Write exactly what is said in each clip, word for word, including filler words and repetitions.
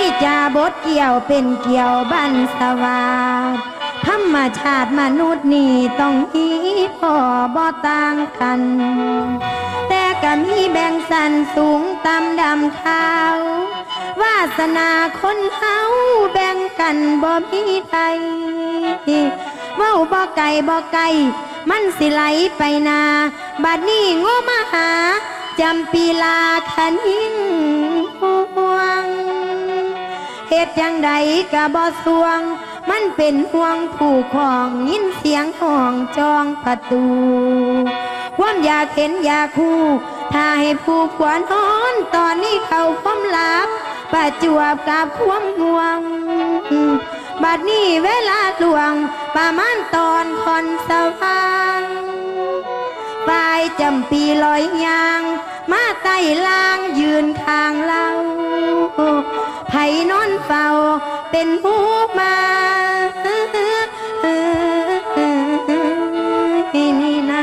จาบทเกี่ยวเป็นเกี่ยวบันสวาสธรรมชาติมนุษย์นี่ต้องอีพ่อบ่ต่างกันแต่ก็มีแบ่งสันสูงต่ำดำขาววาสนาคนเฮาแบ่งกันบ่มีใดเว้าบ่ไก่บ่ไก่มันสิไหลไปนาบัดนี้โง่มาหาจำปีลาขันหิงห่วงเหตุจังใดกะบ่สวงมันเป็นห่วงผู้ของยินเสียงห้องจองประตูความอยากเห็นอยากคู่ถ้าให้ผู้ขวานนอนตอนนี้เขาพร้อมหลับประจวบกับความห่วงบัดนี้เวลาหลวงประมาณตอนคอนสว่างปลายจำปีลอยยางมาไต่ล่างยืนข้างเราไผ่นอนเฝ้าเป็นผู้มานี่นา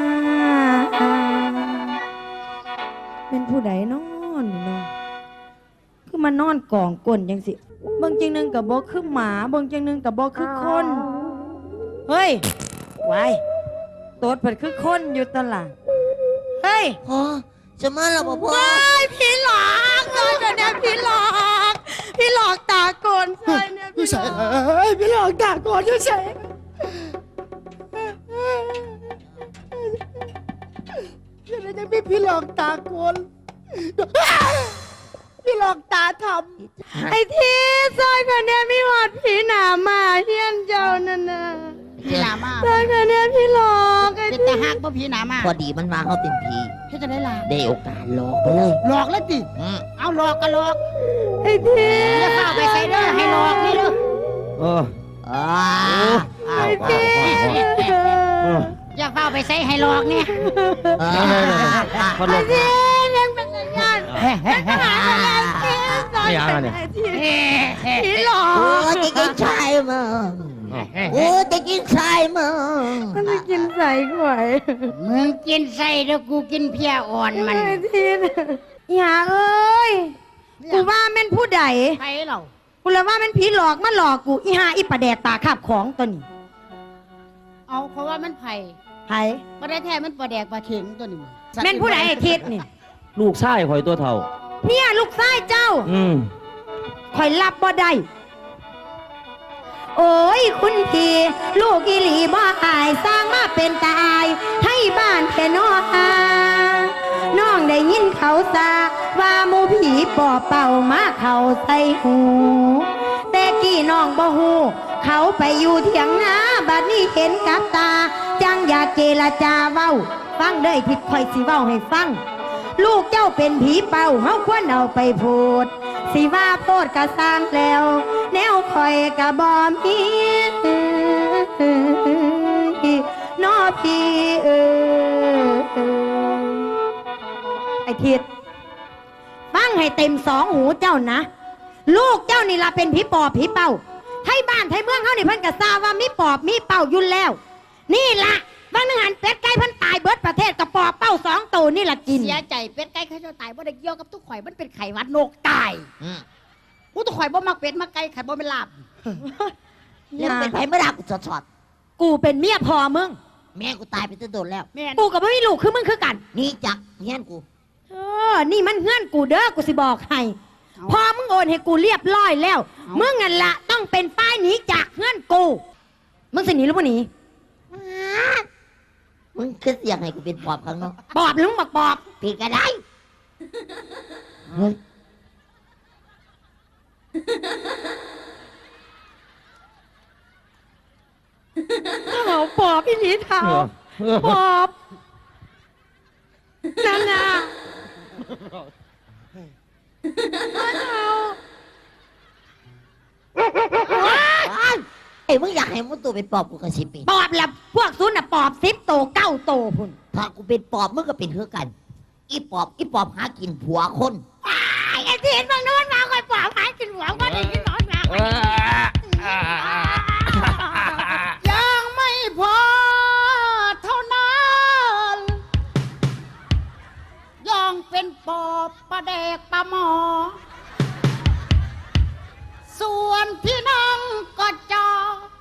เป็นผู้ใดนอนเนาะคือมานอนกองก้นยังสิบางจังนึงกับบ่คือหมาบางจังนึงกับบ่คือคนเฮ้ยไว้ตัวเปิดคือคนอยู่ตลาดเฮ้ยพ่อจะมาแล้วพ่อพ่อพี่หลอกเลยเนี่ยพี่หลอกพี่หลอกตาโกนใช่เนี่ยพี่หลอกพี่หลอกตาโกนใช่ยังไงยังพี่พี่หลอกตาโกนพี่หลอกตาทำไอ้ที่ซอยคนเนี้ยมีหอดผีหนามาเฮียนเจ้านั่นน่ะพี่หนามาซอยคนเนี้ยพี่หลอกไอ้ที่จะหักเพราะผีหนามาพอดีมันมาเขาเป็นผีพี่จะได้ลาได้โอกาสหลอกไปเลยหลอกแล้วจิเอาหลอกก็หลอกไอ้ที่จะเข้าไปใส่เด้อให้หลอกนี่เด้อเอออ่าไอ้ที่อยากเข้าไปใส่ให้หลอกเนี่ยไอ้ที่ยังเป็นสัญญาณไม่เอาเนี่ยผีหลอกโอ้จะกินชายมึงโอ้จะกินชายมึงมันจะกินใส่ข่อยมึงกินใส่แล้วกูกินเพี้ยอ่อนมันทีอย่าเอ้ยกูว่าแม่นผู้ใดใครเรากูเลยว่าแม่นผีหลอกมาหลอกกูอีหาอีประแดดตาคาบของตัวนี้เอาเพราะว่ามันไผ่ไผ่ประเดี๋ยวแท้มันประแดกปลาเข็งตัวนี้แม่นผู้ใดไอ้ทิศนี่ลูกชายข่อยตัวเท่าเนี่ยลูกชายเจ้าอืมข่อยรับบ่ได้โอ้ยคุณพี่ลูกอีหลีบ่อายสร้างมาเป็นตาอายให้บ้านแค่นออาน้องได้ยินเขาซาว่าหมูผีปอบเป่ามาเขาใส่หูแต่กี้น้องบ่ฮู้เขาไปอยู่เถียงนาบัดนี้เห็นกับตาจังอยากเจรจาเว้าฟังเด้อทิศข่อยสิเว้าให้ฟังลูกเจ้าเป็นผีเป่าเฮาควรเอาไปพูดสิว่าโพดกะสร้างแล้วแนวคอยกะบอมีนอพี่เออไอทิดฟังให้เต็มสองหูเจ้านะลูกเจ้านี่ละเป็นผีปอบผีเป่าให้บ้านให้เมืองเขานี่เพิ่นกะทราบว่ามีปอบมีเป่ายุ่นแล้วนี่ละบางนึงหันเป็ดไก่เพิ่นตายเบิดประเทศกระปอบเป้าสองตัวนี่ละกินเสียใจเป็ดไก่เขาจะตายบ่ได้เกี่ยวกับทุกข่อยมันเป็นไข่วัดนกตายกูทุกข่อยบ่มักเป็ดมักไก่ไข่บ่เป็นลาบยังเป็นไผ่ไม่รักกูสอดกูเป็นเมียพ่อมึงแม่กูตายไปตั้งโดนแล้วกูกับไม่มีลูกคือมึงคือกันนี่จักเฮียนกูเออนี่มันเฮือนกูเด้อกูสิบอกให้พอมึงโอนให้กูเรียบร้อยแล้วมึงนั่นละต้องเป็นป้ายหนีจากเฮือนกูมึงสิหนีหรือบ่หนีมึงคิดอยากให้กูเป็นปอบข้างนอกปอบหรือมึงบอกปอบผิดก็ได้เฮ้ยเท้าปอบพี่หนีเท้าปอบนั่นน่ะไอ้มึงอยากให้มึงตัวเป็นปอบกูก็สิเป็นปอบแล้วพวกซุนน่ะปอบสิบโตเก้าโตพุ่นถ้ากูเป็นปอบมึงก็เป็นเท่ากันอีปอบอีปอบหากินผัวคนไอ้ที่เห็นบางโน้นมาคอยปอบหากินผัวคนไอ้ที่นอนมายังไม่พอเท่านั้นยังเป็นปอบประเดกปลาหมอส่วนพี่น้องก็จอ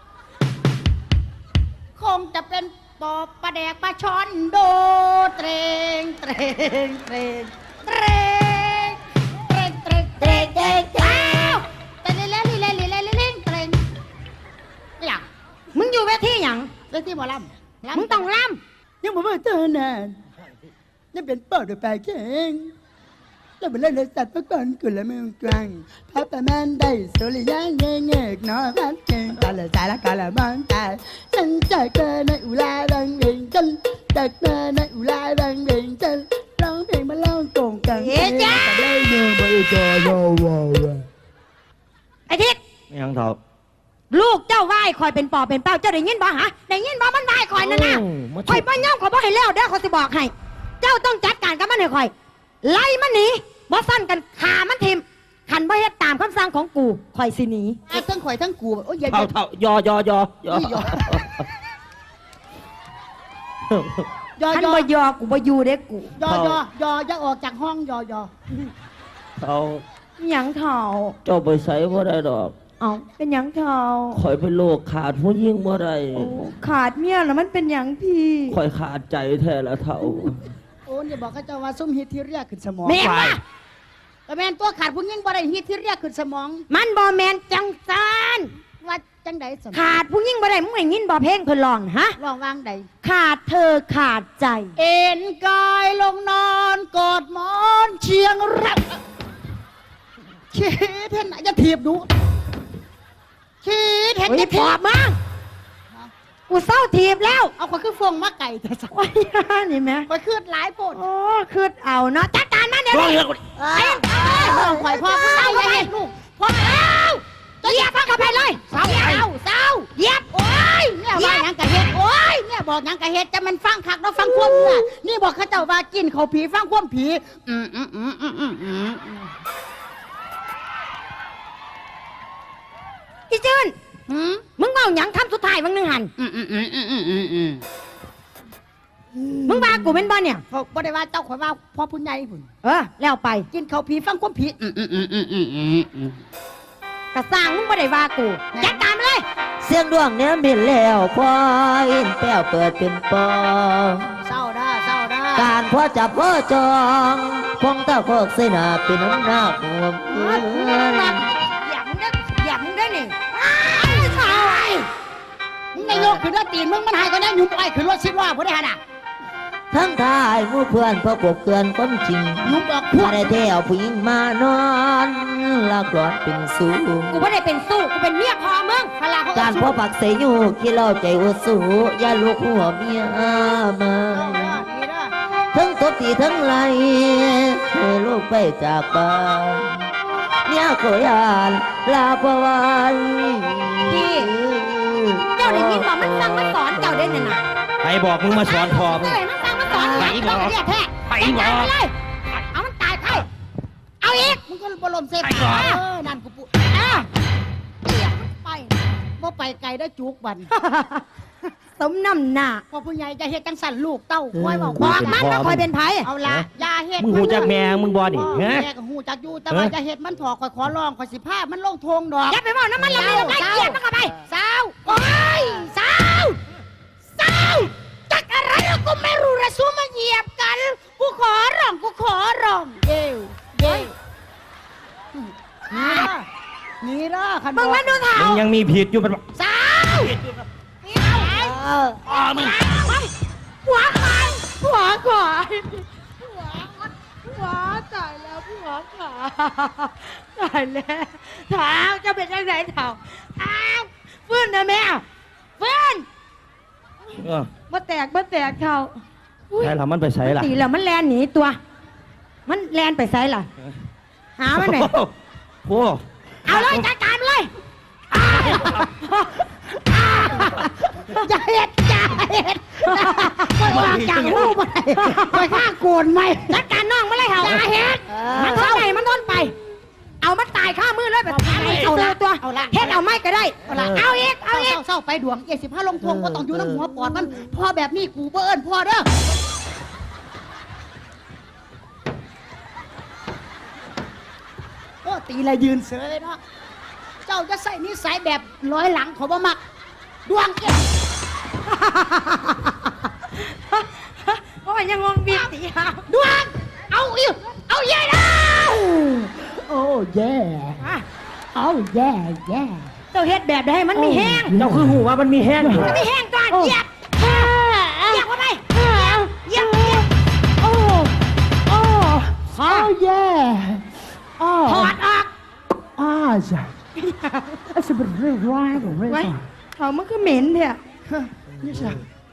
คงจะเป็นปอบประแดกปลาช้อนโดเตรงเตรงเตรงเตรงเตรงเตรงเตรงเตรงเตรงแต่เล่นเล่นเล่นเล่นเล่นเล่นเตรงอยากมึงอยู่เวทีหยังเล่นที่หมอลำลำมึงต้องล่ยังบอกว่าเธอนานยังเป็นปอดไปเก่งแล้วเป็นเล่นสัตว์เมื่อก่อนกุละมือกลางพระประมาณได้สุริยังเงยเงกนอพัดเก่งกาละสายละกาละมองตายฉันจะเกินในอุลาดังเวงจันจากเกินในอุลาดังเวงจันร้องเพลงมาเล่าโกงกันเฮ้ยจ้าเล่นเงินไปจอโยโวำไอ้ทิศไม่ยังเถ่าลูกเจ้าไหว้คอยเป็นปอบเป็นเป้าเจ้าได้ยินบ่ฮะได้ยินบ่มันไหว้คอยนั่นน่ะโอ้มาคอยบ่ย่อมขอยบ่ให้แล้วเด้อเขาสิบอกให้เจ้าต้องจัดการกับมันให้คอย ไล่มันหนีบ่สั้นกันขามันทิมขันบ่เฮ็ดตามคำสั่งของกูคอยสิหนีอ่ะทั้งข่อยทั้งกูโอ้ยอย่าอเท่าย่าเท่ายอยอยอยอยอขันยอบ่ยอกูบ่อยู่เด้กูยอยอยออย่าออกจากห้องยอยอเท่าหยังเท่าเจ้าไปใส่บ่ได้ดอกเอาเป็นหยังเท่าข่อยเป็นโรคขาดผู้ยิ่งบ่ได้โอ้ขาดเมียแล้วมันเป็นหยังพี่ข่อยขาดใจแท้ละเท่าโอ้ยอย่าบอกเขาเจ้าว่าซุ่มฮิตที่เรียกขึ้นสมองแม่นวะแต่แม่นตัวขาดผู้หญิงบ่ได้ฮิตที่เรียกขึ้นสมองมันบ่แมนจังซานว่าจังใดสมองขาดผู้หญิงบ่ได้มึงได้ยินบ่เพลงเพิ่นร้องฮะลองวางใดขาดเธอขาดใจเอ็นกายลงนอนกอดหมอนเชียงรักคิดเห็นไหนจะถีบดูคิดเห็นโอ้ยจะปถีอบบมากูเศร้าทีบแล้วเอาคนคือฟงมาไก่แต่สักโอ้ยนี่แม่คนคือหลายโพดโอ้คือเอาเนาะจัดการมันเดี๋ยวนี้เอ้ยเอ้ยข่อยพ่อผู้ชายอย่าเห็นลูกพ่อเอ้าเหยียบมันเข้าไปเลยเศร้าเศร้าเศร้าเหยียบโอ้ยเนี่ยว่าหยังกะเฮ็ดโอ้ยเนี่ยบอกหยังกะเฮ็ดจะมันฟังคักแล้วฟังความเนี่ยนี่บอกเขาเจ้าว่ากินเขาผีฟังความผีอืมอืมอืมอืมอืมอืมอีจืนอืมมึงเมาหยังคำสุดท้ายมึงนึงหันอืมอืมอืมอืมอืมอืมอืมมึงว่ากูเป็นบ่เนี่ยเขาบ่ได้ว่าเจ้าข่อยว่าพ่อผู้ใหญ่พุ่นเออแล้วไปกินเขาผีฟังความผีอืมอืมอืมอืมอืมอืมอืมกระสร้างมึงบ่ได้ว่ากูจัดการมันเลยเสียงดวงเนี้ยบินแล้วพออินแป้วเปิดเป็นปอเศร้าด้าเศร้าด้าการพ่อจับพ่อจองพงตาโคกเสนาเป็นน้ำหน้าหัวเพื่อนอย่ามึงได้อย่ามึงได้นี่อ้าวชายมึงนายกขึ้นว่าตีนมึงมันหายก็ได้หยุ่มไปขึ้นว่าสิบว่าบ่ได้หั่นน่ะทั้งทายหมู่เพื่อนพ่อกบเกลือนคนจริงหยุ่มบอกพวมาก ได้เที่ยวผู้หญิงมานอนลากรอนเป็นสูงกูไม่ได้เป็นสู้กูเป็นเมียพอมึงพลาเขาการพ่อปักเสยอยู่ขี้เล่าใจอุสูอย่าลูกหัวเมียมาดีเด้อทั้งตบตีทั้งไล่ให้ลูกไปจากบ้านเนี่ยขอยานลาประวันพี่เจ้าได้ยินบอกมันสั่งมันสอนเจ้าได้เนี่ยนะใครบอกมึงมาสอนพ่อมึงเจ้าได้มันสั่งมันสอนไปบอกเรียกแท้ไปจัดบการอกมันเลยเอามันตายไปเอาอีกมึงก็บรมเซฟไปก่อนเออนั่นกูปุ๊อ่ะเปียกไปบ่ไปไกลได้จุกบันสมน้ำหน้าพอผู้ใหญ่จะเฮ็ดจังสั่นลูกเต้าคอยบอกบว่าอกมันว่าคอยเป็นไผเอาละอย่าเฮ็ดมึงหูจักแม่มึงบ่นี่แม่ฮะก็หูจักอยู่แต่ว่าฮะจะเฮ็ดมันถอกคอยขอร้องคอยสิพามันลงทงดอกอย่าไปบอกน้ำมันละเลยได้เกลียดมันเข้าไปสาวโอ้ยสาวสาวจักอะไรแล้วก็ไม่รู้ระสู้มาเหยียบกัน กูขอร้องกูขอร้องเย้วเย้วนี่ละนี่ละคันมึงมันดูเถ่ามึงยังมีผิดอยู่เป็นสาวสาวอ๋อมึงหัวควายหัวควายหัวหัวตายแล้วหัวขาตายแล้วเท้าจะเป็นยังไงเท้าอ้าวฟื้นนะแม่ฟื้นเออมาแตกมาแตกเท้าอุ๊ยใช่ละมันไปใส่ละตีแล้วมันแลนหนีตัว มันแลนไปไซล่ะ หามันไหนอยโอ้เอาเลยจัดการมันเลยจะเฮ็ดจะเฮ็ดคอยว่าจังหูไปคอยฆ่าโกนไหมจัดการน้องมันเลยเหรออย่าเฮ็ดมันทนไหนมันทนไป เอามันตายข้ามือเลยแบบเอาละตัวเฮ็ดเอาไม่ก็ได้เอาละเอาอีกเอาอีกเศร้าๆไปดวงเอสิบห้าลงทวงว่าต้องอยู่น้ำหัวปอดมันพอแบบนี้กูเบิ้นพอเด้อโอ้ตีละยืนเสือเลยเนาะเจ้าจ้าจะใส่นิสัยแบบร้อยหลังเขาบ่มักดวงเกี่ยวโอ้ยยังงงบีบตีหาดวงเอาอีกเอาใหญ่แล้วโอ้แย่อ่ะเอาแย่แย่เจ้าเฮ็ดแบบใดให้มันมีแห้งเจ้าคือหูว่ามันมีแห้งอยู่มันมีแห้งก่อนเหยียบเหยียบเข้าไปเหยียบเหยียบโอ้โอ้ฮะเอาแย่อ้อถอดออกอ้าจ้ะไอ้สมบัติเรื่องร้ายของเรื่องไว้เขามันคือเหม็นเนี่ยนี่จ้ะ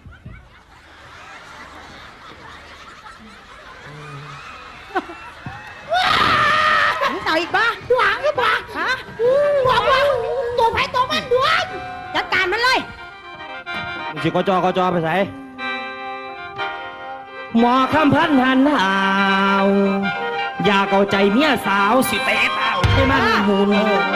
มึงเต่าอีกบ้าดวงหรือเปล่าฮะบอกว่าตัวไผ่ตัวมันดวงจัดการมันเลยมึงสิกจกจไปใส่หมอคำพันหันหาวอยากเอาใจเมียสาวสิเตะเต้าให้มันหุน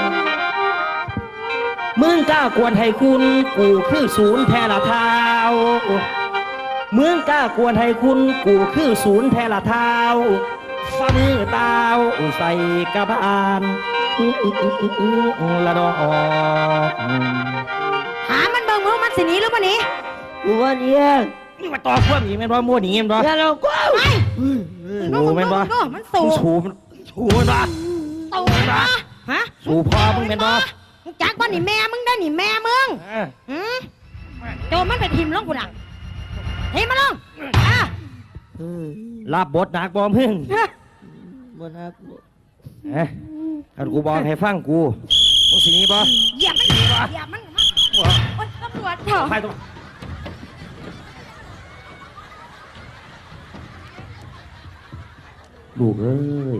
มึงกล้ากวนให้คุณกูคือศูนย์แท้ละเท้ามึงกล้ากวนให้คุณกูคือศูนย์แท้ละเท้าฟ้ามือตาวใส่กระบาลอื้ออื้ออื้ออื้ออื้อละดอกหามันเบิ่งว่ามันสิหนีหรือบ่หนีกูว่าเนี่ยนี่มาต่อพวกนี้แม่นบ่มั่วหนีแม่นบ่อย่าเราก็ไปสูแม่นบ่ดูมันสูมึงสูมันสูแม่นบ่ตูนะฮะสูพ่อมึงแม่นบ่มึงจักบ่นี่แม่มึงได้นี่แม่มึงเออหืมโจมมันไปทิมลงกูดังทิมมันลงอ่ะรับบทหนักบ่มึงบ่นักเอ้ยถ้ากูบอกให้ฟังกูมึงสิหนีบ่เหยียบมันเหยียบมันมาโอ๊ยตำรวจเถอะไปตรงลูกเอ้ย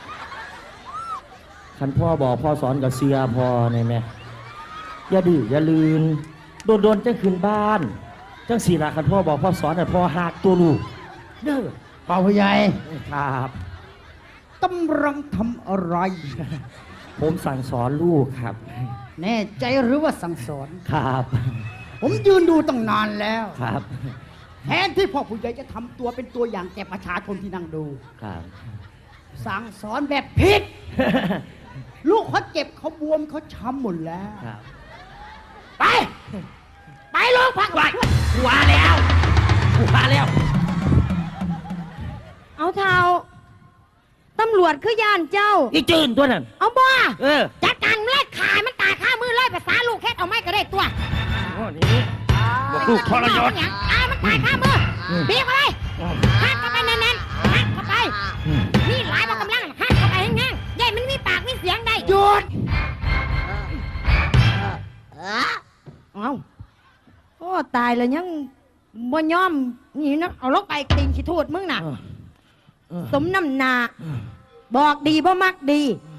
คันพ่อบอกพ่อสอนกับเสียพ่อในแม่อย่าดื้ออย่าลืนโดนโดนๆจังขึ้นบ้านจังสีละคันพ่อบอกพ่อสอนน่ะพ่อหักตัวลูกเด้อเป่าผู้ใหญ่ครับกำลังทำอะไรผมสั่งสอนลูกครับแน่ใจหรือว่าสั่งสอนครับผมยืนดูตั้งนานแล้วครับแทนที่พ่อผู้ใหญ่จะทำตัวเป็นตัวอย่างแก่ประชาชนที่นั่งดูครับสั่งสอนแบบผิด ลูกเขาเจ็บเขาบวมเขาช้ำหมดแล้วครับไป ไปลูกพักไปกูว่าแล้วกูว่าแล้วเอาเท้าตำรวจคือย่านเจ้าอีจืนตัวนั้นเอาบ่เออจัดการมันเลยขายมันตายข้ามือเลยภาษาลูกแค่เอาไม่ก็ได้ตัวโอ้นี่บอกลูกทรยศอ่ามันตายข้ามืออมบีบเข้าไปหักเข้าไปแน่นๆหักเข้าไปอืมนี่หลายบอกกำลังหักเข้าไปแห้งๆใหญ่มันมีปากมีเสียงได้หยุดเอาโอ้ตายแล้วยังบ่ยอมนี่นะเอาลงไปตีนขี้ทูดมึงน่ะเออเออสมน้ำหนา บอกดีบ่มักดี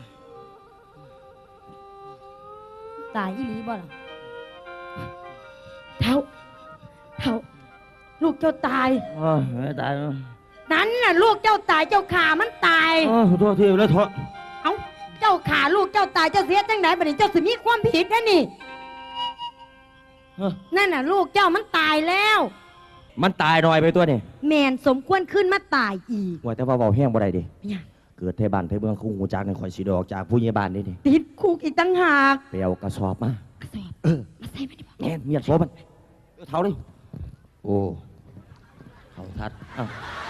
ตายอีหลีบ่ล่ะเท่าเท่าลูกเจ้าตายโอ้ยไม่ตายแล้วนั้นน่ะลูกเจ้าตายเจ้าขามันตายโอ้ยขอโทษทีแล้วโทษเอ้าเจ้าขาลูกเจ้าตายเจ้าเสียจังไหนบัดนี้เจ้าสิมีความผิดนะนี่เออนั่นน่ะ ลูกเจ้ามันตายแล้วมันตายหน่อยไปตัวนี่แมนสมควรขึ้นมาตายอีกว่าแต่ว่าเบาแห้งบ่ได้ดิเนี่ยเกิดไทบ้านไทเมืองคุ้งหูจากในข่อยสีดอกจากผู้ใหญ่บ้านนี่ดิติดคุกอีกตั้งหากไปเอากระสอบมากระสอบเออมาใส่มาดิบอกแม่นเมียดโซมันเอาเท้าเลยโอ้เขาทัดอ้าว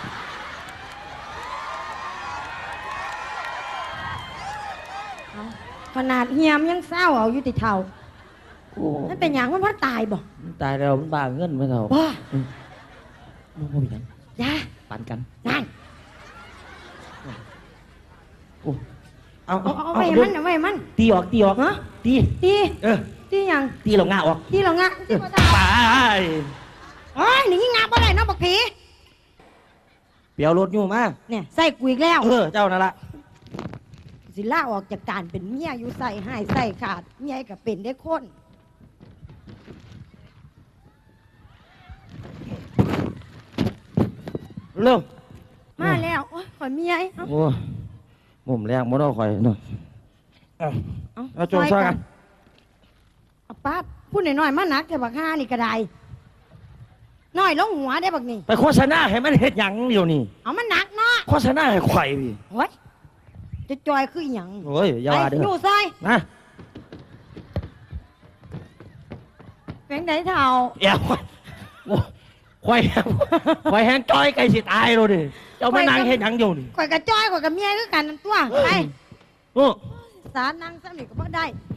เอาขนาดเฮียมยังเศร้าเอาอยู่ติเท่าโอ้นั่นเป็นอย่างมันเพราะตายบ่มันตายแล้วมันบ้าเงินไหมเท่าว้ามันบ่มีหยังยาปันกันนั่นโอ้เอาเอาเอาเอาเอาไว้เดี๋ยวมันเอาไว้มันตีออกตีออกฮะตีตีเออตีหยังตีเราง่าออกตีเรางะเอตีอบ่ไปได้โอ้ยหนี่งาบ่ได้เนาะบักผีเปียวรถอยู่มาเนี่ยใส่กูอีกแล้วเออเจ้านั่นละสิล่าออกจากการเป็นเมียอยู่ใส่ให้ใส่ขาดเมียก็เป็นได้คนเร็วมาแล้วโอ้ยขอยเมียเอ้าโอ้มุมแรงบ่ต้องคอยเนาะเอาเอาเอาโจมซอยกันเอาป้าดพูดหน่อยๆมาหนักแต่บักห้านี่ก็ได้น้อยลงหัวได้บักนี่ไปโฆษณาให้มันเฮ็ดหยังเดี๋ยวนี้เอามันหนักเนาะโฆษณาให้ข่อยพี่โอ้ยจะจอยคืออหย่างโอ้ยอย่าว่าเด้ไอ้ยู่อซอยนะแบงไหนเท่าเอ้าโอ้ควายควายแห้งจ้อยไก่สิตายเลยดิเจ้ามานั่งเห็นยังอยู่นี่ข่อยกับจ้อยข่อยกับเมียคือกันนั่นตัวไปโอ้สารนั่งสนิทก็บ่ได้